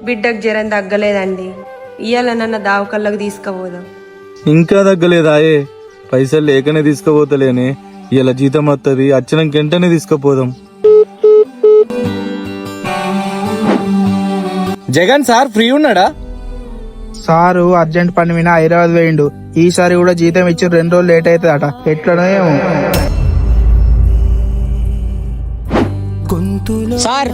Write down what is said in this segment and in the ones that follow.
బిడ్డకు జ్వరం తగ్గలేదండి. ఇయ్యాల నన్న దావకల్లోకి తీసుకుపోదాం. ఇంకా తగ్గలేదా? పైసలు లేకనే తీసుకుపోతలేనే. ఇలా జీతం వస్తుంది, వచ్చినాక వెంటనే తీసుకుపోదాం. జగన్ సార్ ఫ్రీ ఉన్నాడా? సారు అర్జెంట్ పని మీద హైదరాబాద్ వేయండు. ఈసారి కూడా జీతం ఇచ్చి 2 రోజులు లేట్ అవుతుందట. ఎట్లనో ఏమో. సార్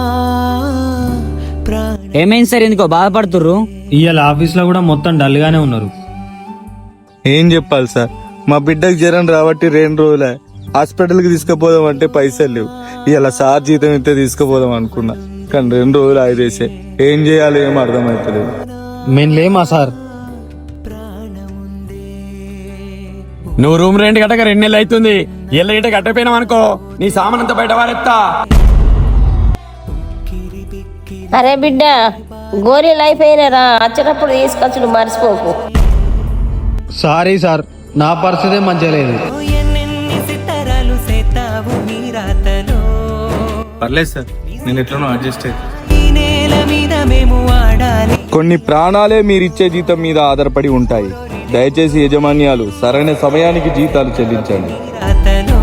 ఏమైంది సార్? ఎందుకో బాధపడుతుర్రు? ఇవాళ ఆఫీస్ లో కూడా మొత్తం డల్ గానే ఉన్నారు. ఏం చెప్పాలి సార్, మా బిడ్డకు జ్వరం రాబట్టి 2 రోజులే. హాస్పిటల్కి తీసుకుపోదాం అంటే పైసలు లేవు. ఇలా సార్ జీతం ఇస్తే తీసుకుపోదాం అనుకున్నా, కానీ 2 రోజులు ఆగిదేసే. ఏం చేయాలో ఏం అర్థమవుతలేదు. మేము లేమా సార్? నువ్వు రూమ్ రెంట్ కట్టక 2 నెలలు అవుతుంది. ఇళ్ళ గిట్ట కట్టపోయినావు అనుకో, నీ సామాన్ అంతా బయట వారెత్తా. అరే బిడ్డ, గోళీలు అయిపోయినారా? వచ్చేటప్పుడు తీసుకొచ్చుడు మర్చిపోకు. సారీ సార్, నా పరిస్థితి మంచిగా లేదు. పర్లేదు సార్, నేను ఎట్లనో అడ్జస్ట్ అయ్యి. కొన్ని ప్రాణాలే మీరిచ్చే జీతం మీద ఆధారపడి ఉంటాయి. దయచేసి యజమాన్యాలు సరైన సమయానికి జీతాలు చెల్లించండి.